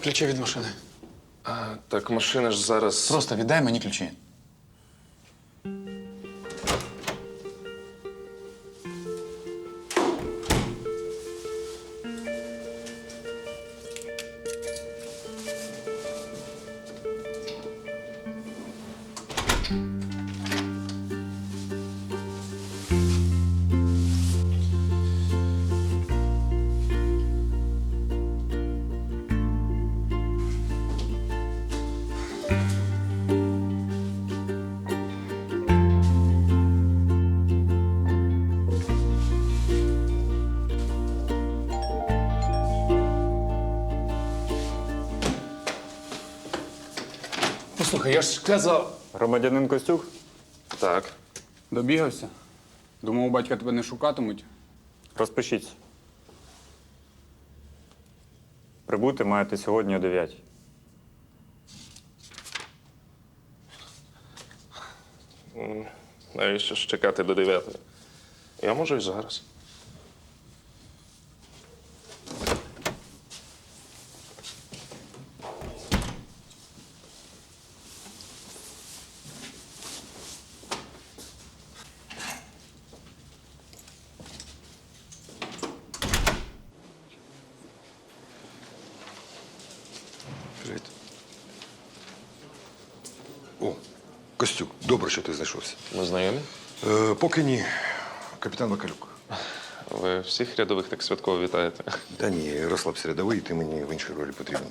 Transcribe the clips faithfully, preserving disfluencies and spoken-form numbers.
ключі від машини. А, так машина ж зараз. Просто віддай мені ключі. Послухай, я ж сказав. Громадянин Костюк? Так. Добігався? Думав, у батька тебе не шукатимуть. Розпишіться. Прибути маєте сьогодні о дев'ятій. Навіщо ж чекати до дев'ятої? Я можу і зараз. Привіт. О, Костюк, добре, що ти знайшовся. Ми знайомі? Е, поки ні. Капітан Вакалюк. Ви всіх рядових так святково вітаєте. Та ні, розслабся рядовий, ти мені в іншій ролі потрібен.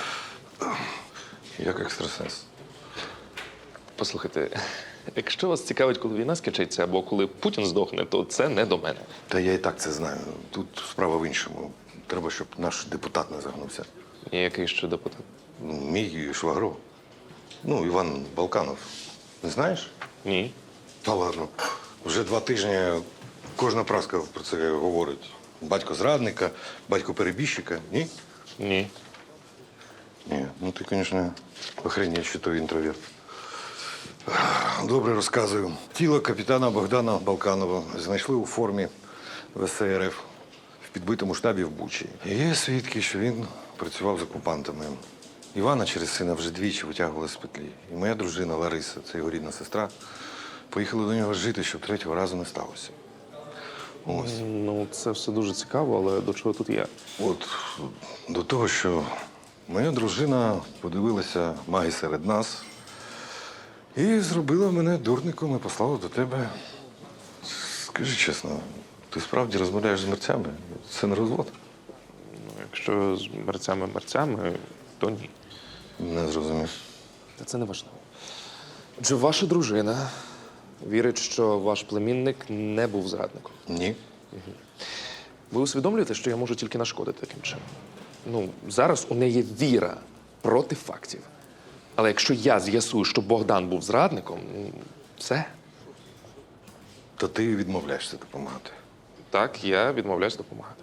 Як екстрасенс. Послухайте, якщо вас цікавить, коли війна скінчиться або коли Путін здохне, то це не до мене. Та я і так це знаю. Тут справа в іншому. Треба, щоб наш депутат не загнувся. І який ще депутат? Ну, мій швагро. Ну, Іван Балканов. Не знаєш? Ні. Та ладно. Вже два тижні кожна праска про це говорить. Батько зрадника, батько перебіжчика. Ні? Ні. Ні. Ну ти, звісно, охренеть, що той інтроверт. Добре розказую. Тіло капітана Богдана Балканова знайшли у формі В С Р Ф в підбитому штабі в Бучі. І є свідки, що він працював з окупантами. Івана через сина вже двічі витягували з петлі. І моя дружина Лариса, це його рідна сестра, поїхали до нього жити, щоб третього разу не сталося. Ось. Ну, це все дуже цікаво, але до чого тут я? От до того, що моя дружина подивилася маги серед нас і зробила мене дурником і послала до тебе. Скажи чесно, ти справді розмовляєш з мерцями? Це не розвод? Ну, якщо з мерцями-мерцями, то ні. Не зрозумів. Та це не важливо. Отже, ваша дружина вірить, що ваш племінник не був зрадником. Ні. Ви усвідомлюєте, що я можу тільки нашкодити таким чином? Ну, зараз у неї віра проти фактів. Але якщо я з'ясую, що Богдан був зрадником, ну, все. То ти відмовляєшся допомагати. Так, я відмовляюсь допомагати.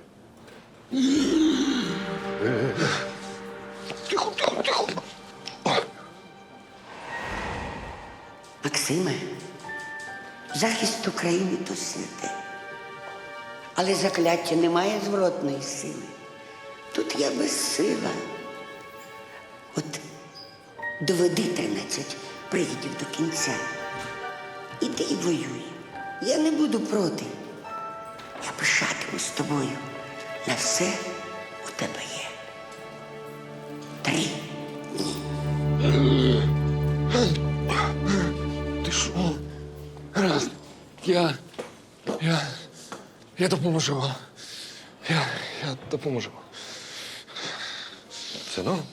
Тихо, тихо, тихо. Максиме, захист України то святе. Але закляття не має зворотної сили. Тут я безсила. От доведи тринадцять привідів до кінця. Іди і воюй. Я не буду проти. Я пишатимусь тобою. На все у тебе є. Три дні. Ти що? Гаразд. Я. Я. Я допоможу вам. Я. Я допоможу. Це норм?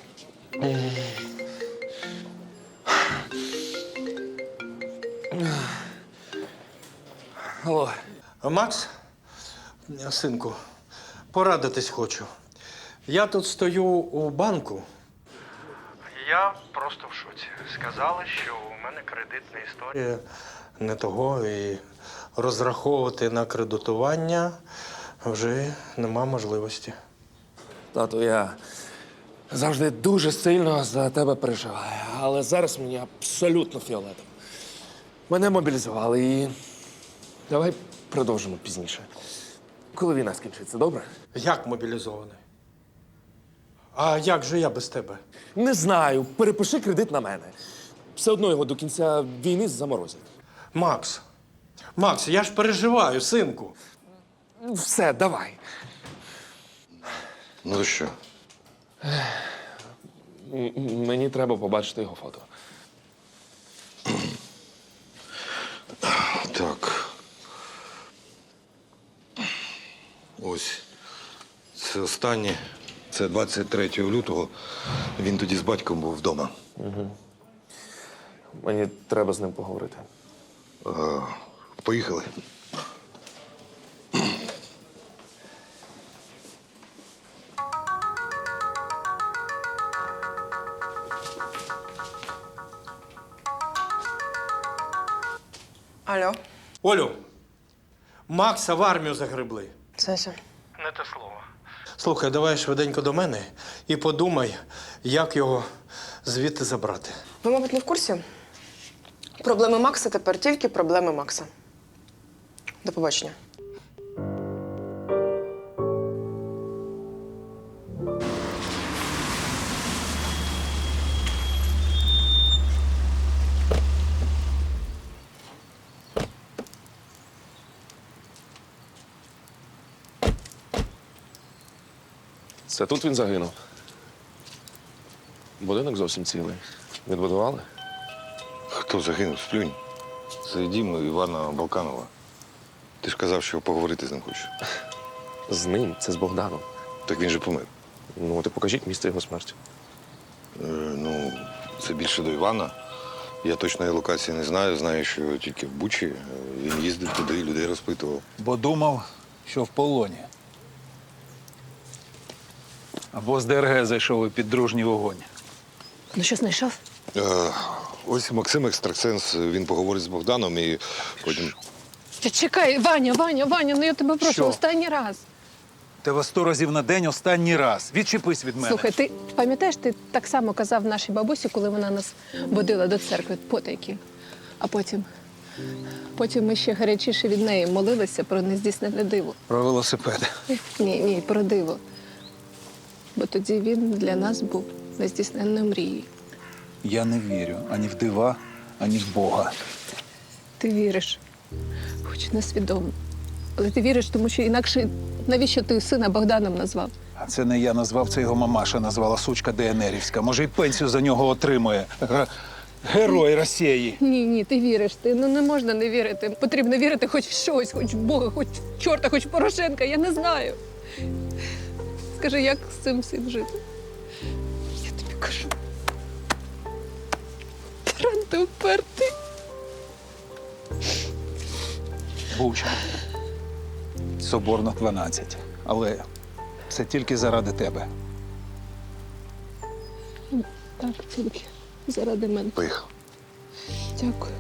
Алло. Макс, синку, порадитись хочу. Я тут стою у банку. Я просто в шоці. Сказали, що у мене кредитна історія не того, і розраховувати на кредитування вже нема можливості. Тату, я завжди дуже сильно за тебе переживаю, але зараз мені абсолютно фіолетово. Мене мобілізували і давай продовжимо пізніше. Коли війна скінчиться, добре? Як мобілізований? А як же я без тебе? Не знаю, перепиши кредит на мене. Все одно його до кінця війни заморозять. Макс, Макс, я ж переживаю, синку. Все, давай. Ну то що? М- м- Мені треба побачити його фото. Так. Ось. Це останнє. Це двадцять третього лютого. Він тоді з батьком був вдома. Мені треба з ним поговорити. Е, Поїхали. Алло, Олю, Макса в армію загребли. Сеся. Не те слово. Слухай, давай швиденько до мене і подумай, як його звідти забрати. Ви, мабуть, не в курсі? Проблеми Макса тепер тільки проблеми Макса. До побачення. Це тут він загинув. Будинок зовсім цілий. Відбудували? Хто загинув? Сплюнь. Це дім Івана Балканова. Ти ж казав, що поговорити з ним хочеш. З ним, це з Богданом. Так він же помер. Ну, ти покажіть місце його смерті. Е, ну, це більше до Івана. Я точної локації не знаю. Знаю, що тільки в Бучі. Е, Він їздив туди, людей розпитував. Бо думав, що в полоні. Або з ДРГ зайшов і під дружній вогонь. Ну що, знайшов? Е, ось Максим Екстрасенс, він поговорить з Богданом і потім. Та чекай, Ваня, Ваня, Ваня, ну я тебе прошу, Що? останній раз. Тебе сто разів на день останній раз. Відчепись від мене. Слухай, ти пам'ятаєш, ти так само казав нашій бабусі, коли вона нас водила до церкви потайки. А потім, потім ми ще гарячіше від неї молилися про нездійснене диво. Про велосипед. Ні, ні, про диво. Бо тоді він для нас був нездійсненною мрією. Я не вірю ані в дива, ані в Бога. Ти віриш, хоч несвідомо. Але ти віриш, тому що інакше навіщо ти сина Богданом назвав? А це не я назвав, це його мамаша назвала сучка ДНРівська. Може, й пенсію за нього отримує. Ге- Герой Росії. Ні, ні, ти віриш. Ти ну не можна не вірити. Потрібно вірити хоч в щось, хоч в Бога, хоч в чорта, хоч в Порошенка. Я не знаю. Скажи, як з цим всім жити? Я тобі кажу. Таран, ти впертий. Буча. Соборно дванадцять. Але це тільки заради тебе. Так, тільки заради мене. Поїхав. Дякую.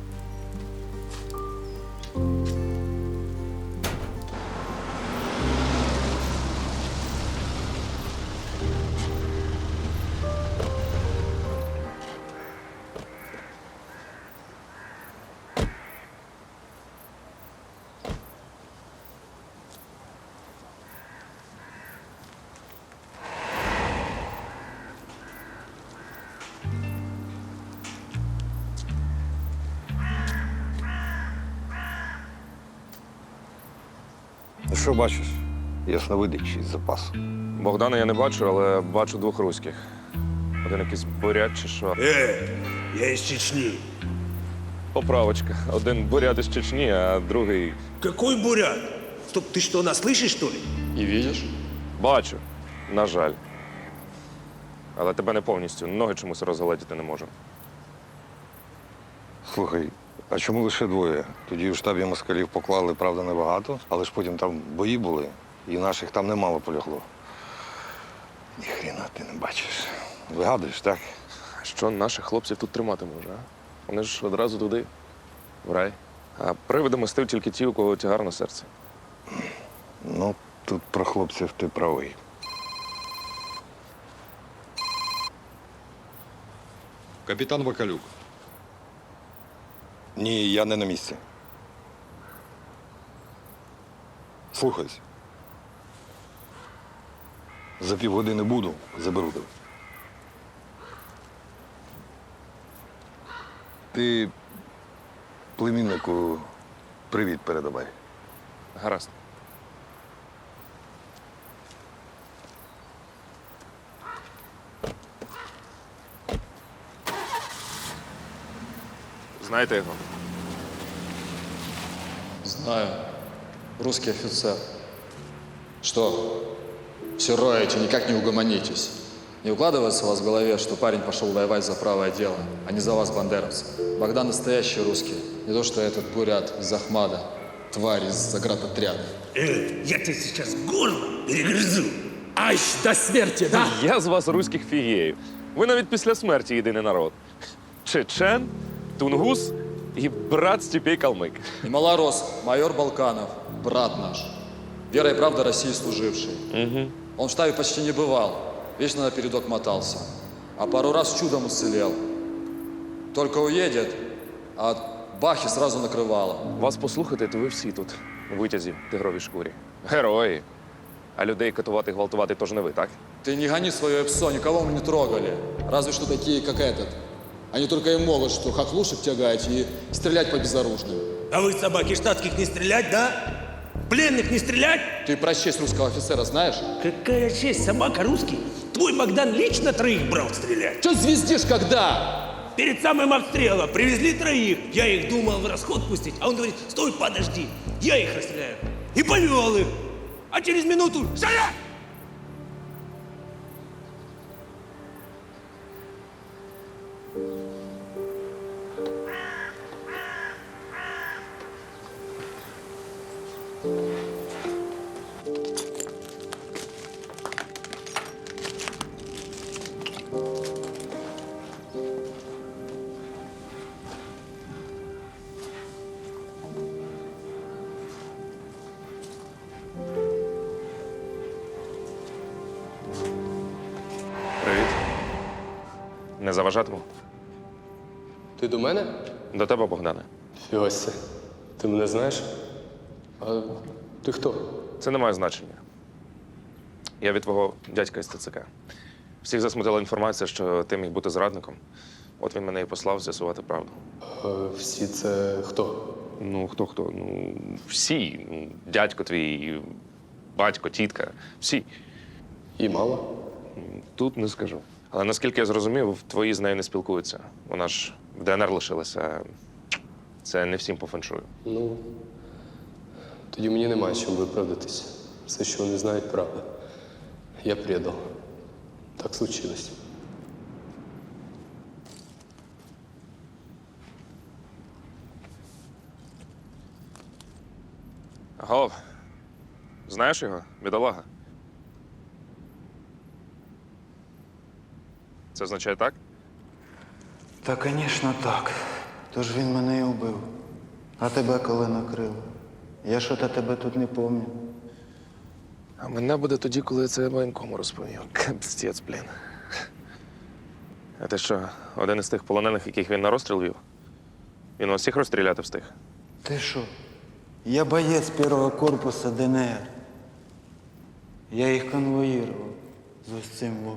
Ну що бачиш? Ясновидящий з запасу. Богдана я не бачу, але бачу двох руських. Один якийсь бурят чи що. Э, я из Чечни. Поправочка. Один бурят із Чечні, а другий. Какой бурят? Стоп, ты что, нас слышишь, что ли? І видиш? Бачу. На жаль. Але тебе не повністю. Ноги чомусь розгалетіти не можу. Слухай, а чому лише двоє? Тоді в штабі москалів поклали, правда, небагато, але ж потім там бої були, і наших там немало полягло. Ніхрена ти не бачиш. Вигадуєш, так? Що наших хлопців тут тримати може, а? Вони ж одразу туди, в рай. А привиди мостив тільки ті, у кого тягар на серці. Ну, тут про хлопців ти правий. Капітан Вакалюк. Ні, я не на місці. Слухайся. За півгодини буду, заберу тебе. Ти племіннику привіт передавай. Гаразд. Знаєте його? Знаю. Русский офицер. Что? Все роете, никак не угомонитесь. Не укладывается у вас в голове, что парень пошел воевать за правое дело, а не за вас, бандеровцы. Богдан настоящий русский. Не то, что этот бурят из Ахмада, тварь из заградотряда. Э, я тебе сейчас горло перегрызу. Аж до смерти, да? Я з вас руських фігеїв. Ви навіть після смерті єдиний народ. Чечен, тунгус і брат Степей Калмик. И малорос, майор Балканов, брат наш. Вера и правда России служивший. Угу. Он в штабе почти не бывал, вечно на передок мотался. А пару раз чудом уцелел. Только уедет, а от бахи сразу накрывало. Вас послухати, то ви всі тут, у витязі в тигровій шкурі. Герої. А людей катувати, гвалтувати теж не ви, так? Ты не гони свое псо, никого мы не трогали. Разве что такие, как этот. Они только и могут, что хохлушек тягать и стрелять по безоружным. А вы, собаки штатских, не стрелять, да? Пленных не стрелять? Ты про честь русского офицера знаешь? Какая честь, собака русский. Твой Богдан лично троих брал стрелять. Че звездишь когда? Перед самым обстрелом привезли троих. Я их думал в расход пустить, а он говорит, стой, подожди, я их расстреляю. И повел их. А через минуту стрелять! Привіт. Не заважатиму? Ти до мене? До тебе, Богдане. Фіося. Ти мене знаєш? А ти хто? Це не має значення. Я від твого дядька із ТЦК. Всіх засмутила інформація, що ти міг бути зрадником. От він мене і послав з'ясувати правду. А всі це хто? Ну, хто-хто? Ну, всі. Ну, дядько твій, батько, тітка. Всі. І мало? Тут не скажу. Але наскільки я зрозумів, твої з нею не спілкуються. Вона ж в ДНР лишилася. Це не всім по феншую. Ну, тоді мені немає чим виправдатися. Все, що вони знають, правда. Я предал. Так случилось. Гов, знаєш його, бідолага? Це означає так? Та, звісно, так. Тож він мене і вбив. А тебе коли накрило? Я що то тебе тут не пам'ятаю. А мене буде тоді, коли я це воєнкому розповів. Капстець, блін. А ти що, один із тих полонених, яких він на розстріл вів? Він вас всіх розстріляти встиг? Ти що? Я боєць першого корпусу ДНР. Я їх конвоїрував з ось цим во.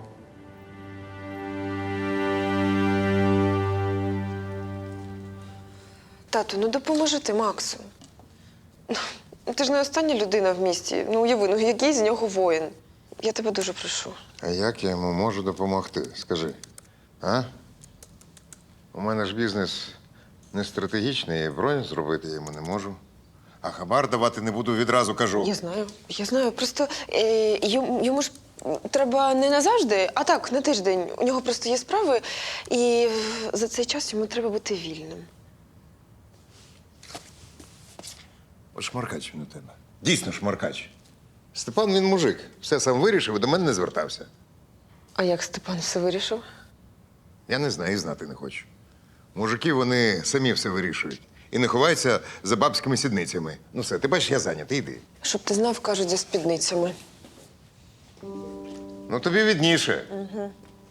Тату, ну допоможи ти Максу. Ну, ти ж не остання людина в місті. Ну, уяви, ну який з нього воїн. Я тебе дуже прошу. А як я йому можу допомогти? Скажи. А? У мене ж бізнес не стратегічний, і бронь зробити я йому не можу. А хабар давати не буду, відразу кажу. Я знаю, я знаю. Просто е, йому, йому ж треба не назавжди, а так, на тиждень. У нього просто є справи, і за цей час йому треба бути вільним. От шмаркач він у тебе. Дійсно шмаркач. Степан, він мужик. Все сам вирішив і до мене не звертався. А як Степан все вирішив? Я не знаю і знати не хочу. Мужики, вони самі все вирішують. І не ховаються за бабськими сідницями. Ну все, ти бачиш, я зайнятий, йди. Щоб ти знав, кажуть, за спідницями. Ну тобі відніше. Угу.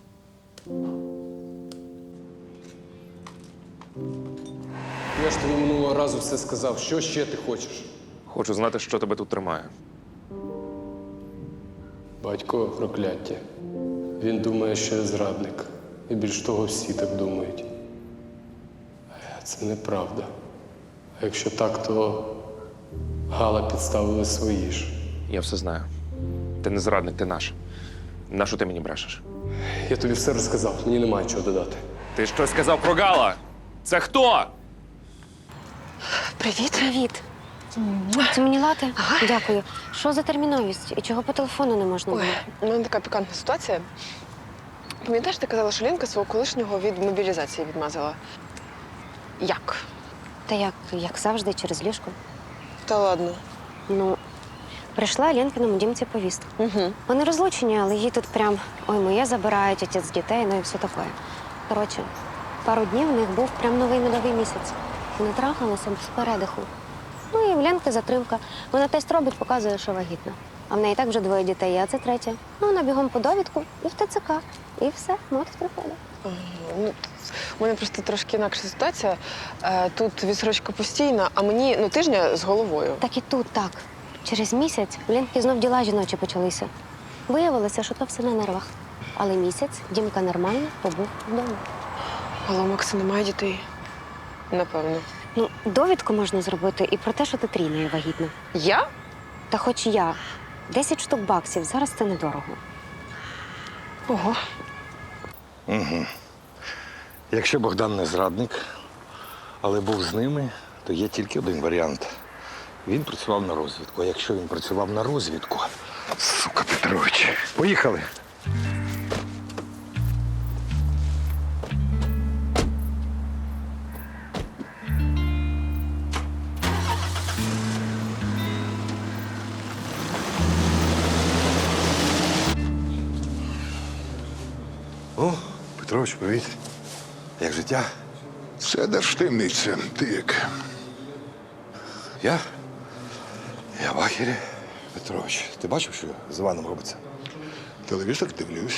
Я ж тобі минулого разу все сказав. Що ще ти хочеш? Хочу знати, що тебе тут тримає. Батько прокляття. Він думає, що я зрадник. І більш того, всі так думають. А це неправда. А якщо так, то Гала підставили свої ж. Я все знаю. Ти не зрадник, ти наш. Нащо ти мені брешеш? Я тобі все розказав, мені немає чого додати. Ти щось сказав про Гала? Це хто? Привіт. Привіт. Це мені лати? Дякую. Що за терміновість? І чого по телефону не можна було? Ой, у мене така пікантна ситуація. Пам'ятаєш, ти казала, що Лінка свого колишнього від мобілізації відмазала? Як? Та як, як завжди, через ліжко. Та ладно. Ну, прийшла Ленкиному дімці повістка. Угу. Вони розлучені, але їй тут прям ой, моє забирають, отець дітей, ну і все таке. Коротше, пару днів у них був прям новий медовий місяць. Вони трахалися з передиху. Ну і в Ленки затримка. Вона тест робить, показує, що вагітна. А в неї і так вже двоє дітей, а це третє. Ну, вона бігом по довідку і в ТЦК. І все, мати приходить. Ага, ну, у мене просто трошки інакша ситуація. Е, Тут відсрочка постійна, а мені ну, тижня з головою. Так і тут так. Через місяць в Ленки знов діла жіночі почалися. Виявилося, що то все на нервах. Але місяць Дімка нормально побув вдома. Але у Макса немає дітей. Напевно. Ну, довідку можна зробити і про те, що ти трійною вагітна. Я? Та хоч я. Десять штук баксів. Зараз це недорого. Ого. Угу. Якщо Богдан не зрадник, але був з ними, то є тільки один варіант. Він працював на розвідку. А якщо він працював на розвідку, сука Петрович, поїхали. О, Петрович, привіт. Як життя? Це держтаємниця. Ти як? Я? Я в ахері. Петрович, ти бачив, що з Іваном робиться? Телевізор дивлюсь.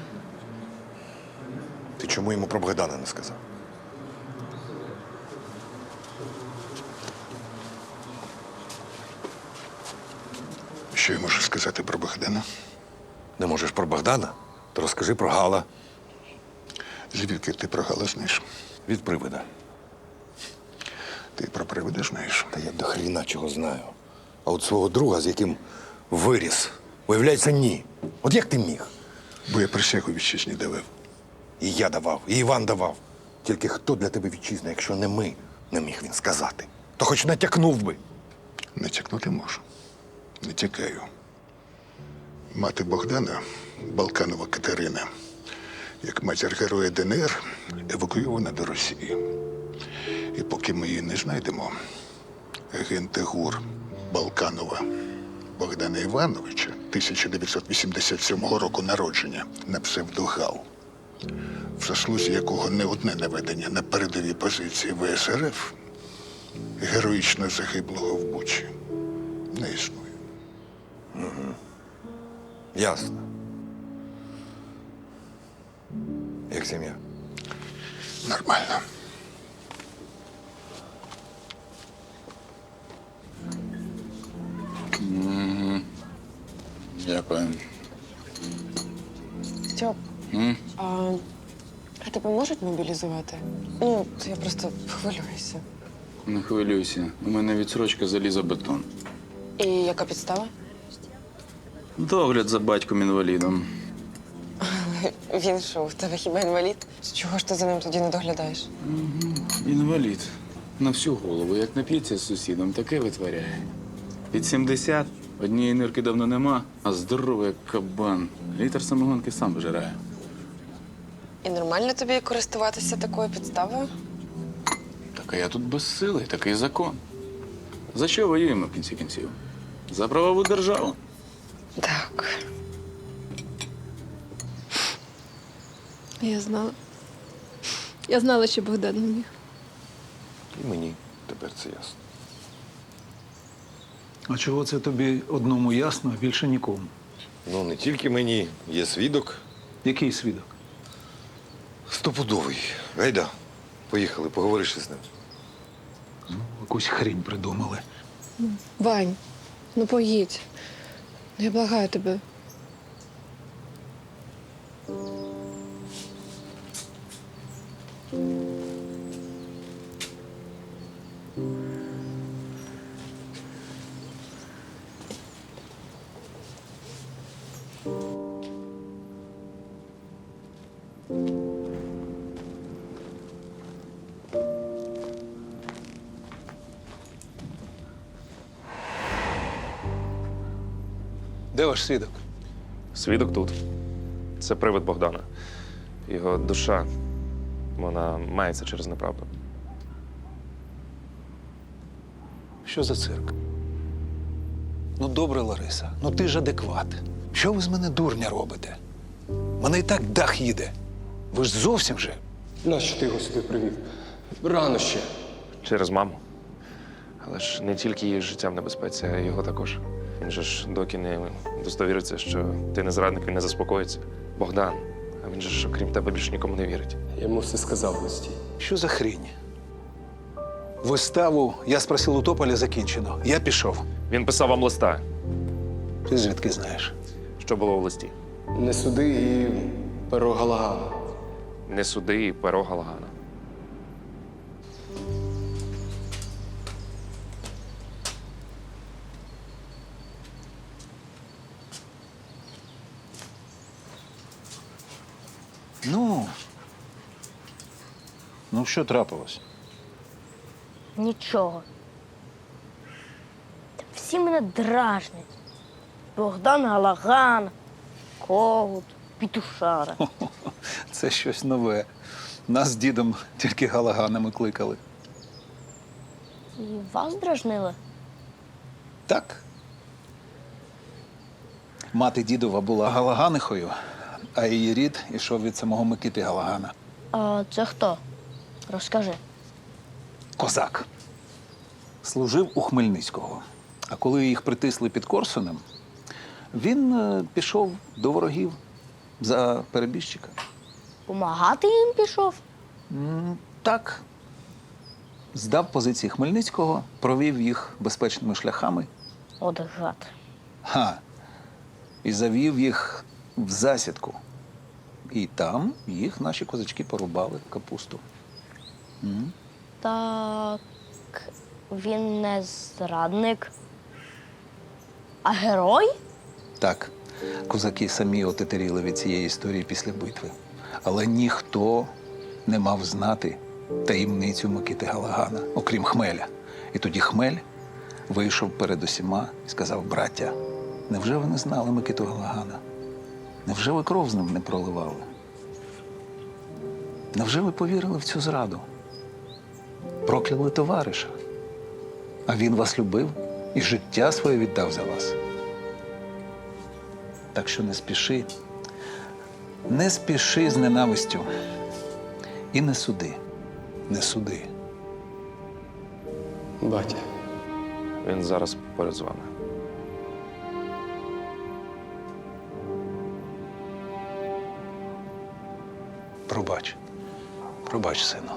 Ти чому йому про Богдана не сказав? Що я можу сказати про Богдана? Не можеш про Богдана? То розкажи про Гала. Звідки ти про Гала знаєш? Від привида. Ти про привида знаєш? Та я до хріна чого знаю. А от свого друга, з яким виріс, виявляється, ні. От як ти міг? Бо я присягу вітчизні давав. І я давав, і Іван давав. Тільки хто для тебе вітчизна, якщо не ми, не міг він сказати. То хоч натякнув би. Натякнути можу. Натякаю. Мати Богдана, Балканова Катерина, як матір героя ДНР, евакуйована до Росії. І поки ми її не знайдемо, агенти ГУР Балканова Богдана Івановича, тисяча дев'ятсот вісімдесят сьомого року народження, на псевдогал, в заслузі якого не одне наведення на передові позиції ВСРФ, героїчно загиблого в Бучі, не існує. Угу. Ясно. Як сім'я? Нормально. Угу. Дякую. Стьоп, М? а, а тебе можуть мобілізувати? Ну, я просто хвилююся. Не хвилюйся. У мене відсрочка залізобетон. І яка підстава? Догляд за батьком-інвалідом. Він що, в тебе хіба інвалід? З чого ж ти за ним тоді не доглядаєш? Угу. Інвалід. На всю голову. Як нап'ється з сусідом, таке витворяє. Під сімдесят, однієї нирки давно нема, а здоровий як кабан. Літр самогонки сам вижирає. І нормально тобі користуватися такою підставою? Так а я тут безсилий, такий закон. За що воюємо в кінці кінців? За правову державу. Так. Я знала. Я знала, що Богдан не міг. І мені тепер це ясно. А чого це тобі одному ясно, а більше нікому? Ну, не тільки мені. Є свідок. Який свідок? Стопудовий. Гайда, поїхали, поговориш із ним. Ну, якусь хрінь придумали. Вань, ну поїдь. Ну, я благаю тебе. Де ваш свідок? Свідок тут. Це привид Богдана. Його душа, вона мається через неправду. Що за цирк? Ну, добре, Лариса, ну ти ж адекват. Що ви з мене дурня робите? Мене і так дах їде. Ви ж зовсім же. Нащо ти його сюди привів? Рано ще. Через маму. Але ж не тільки її життя в небезпеці, а й його також. Він же ж доки не достовіриться, що ти не зрадник, він не заспокоїться. Богдан, а він же ж, окрім тебе, більше нікому не вірить. Я йому все сказав в листі. Що за хрінь? Виставу «Я спросив у Тополя» закінчено. Я пішов. Він писав вам листа. Ти звідки знаєш? Що було в листі? Не суди і перо Галагана. Не суди і перо Галагана. Ну. Ну, що трапилось? Нічого. Та всі мене дражнять. Богдан Галаган, Когут, Пітушара. Це щось нове. Нас з дідом тільки галаганами кликали. І вас дражнили? Так. Мати дідова була Галаганихою, а її рід ішов від самого Микити Галагана. А це хто? Розкажи. Козак. Служив у Хмельницького. А коли їх притисли під Корсунем, він е, пішов до ворогів за перебіжчика. Помагати їм пішов? М, Так. Здав позиції Хмельницького, провів їх безпечними шляхами. От гад. Ха. І завів їх в засідку. І там їх наші козачки порубали капусту. М? Так він не зрадник, а герой? Так, козаки самі отетеріли від цієї історії після битви. Але ніхто не мав знати таємницю Микити Галагана, окрім Хмеля. І тоді Хмель вийшов перед усіма і сказав: браття, невже ви не знали Микиту Галагана? Невже ви кров з ним не проливали? Невже ви повірили в цю зраду? Прокляли товариша. А він вас любив і життя своє віддав за вас. Так що не спіши, не спіши з ненавистю. І не суди, не суди. Батя. Він зараз поряд з вами. Пробач, пробач, сину.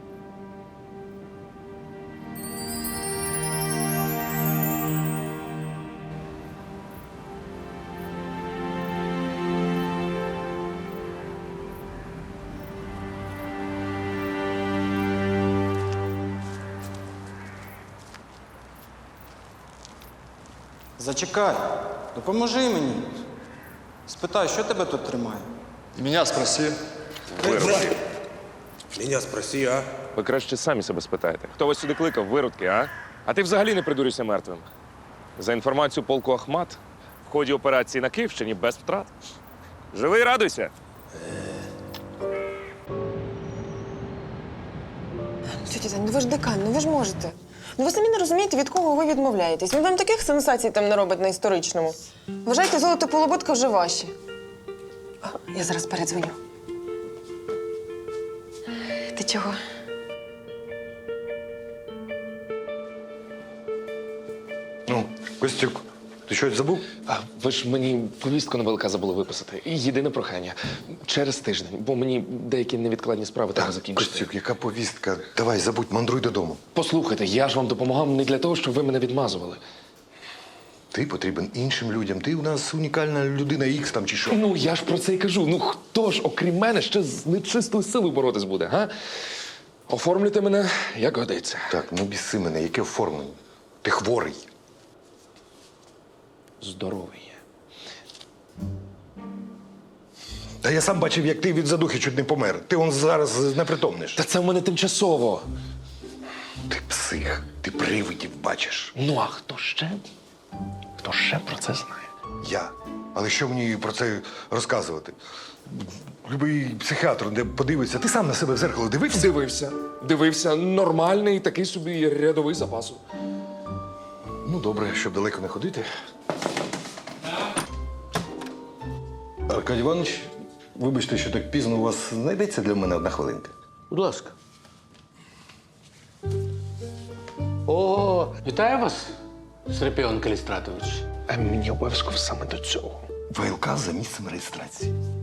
Зачекай, допоможи мені. Спитай, що тебе тут тримає? И меня спроси. Виродки. Меня спроси, а? Ви краще самі себе спитаєте. Хто вас сюди кликав, виродки, а? А ти взагалі не придурюйся мертвим. За інформацією полку Ахмат, в ході операції на Київщині без втрат. Живий, радуйся. Тетя Тань, ну ви ж декан, ну ви ж можете. Ну ви самі не розумієте, від кого ви відмовляєтесь. Він вам таких сенсацій там не робить на історичному. Вважайте, золото полуботка вже ваші. А, я зараз передзвоню. Ти чого? Ну, Костюк, ти щось забув? А ви ж мені повістку на ВЛК забули виписати. І єдине прохання. Через тиждень, бо мені деякі невідкладні справи треба закінчити. Костюк, яка повістка? Давай, забудь, мандруй додому. Послухайте, я ж вам допомагав не для того, щоб ви мене відмазували. Ти потрібен іншим людям. Ти у нас унікальна людина Ікс там чи що. Ну, я ж про це і кажу. Ну, хто ж, окрім мене, ще з нечистою силою боротись буде, га? Оформлюйте мене, як годиться. Так, ну біси мене, яке оформлення? Ти хворий. Здоровий є. Та я сам бачив, як ти від задухи чуть не помер. Ти он зараз непритомниш. Та це в мене тимчасово. Ти псих, ти привидів бачиш. Ну, а хто ще? Хто ще про це знає? Я. Але що мені про це розказувати? Любий психіатр, де подивиться, ти сам на себе в зеркало дивився? Дивився. Дивився. Нормальний такий собі рядовий запасу. Ну, добре, щоб далеко не ходити. Аркадій Іванович, вибачте, що так пізно у вас знайдеться для мене одна хвилинка. Будь ласка. О, вітаю вас, Серпіон Калістратович. А мені обов'язково саме до цього. ВЛК за місцем реєстрації.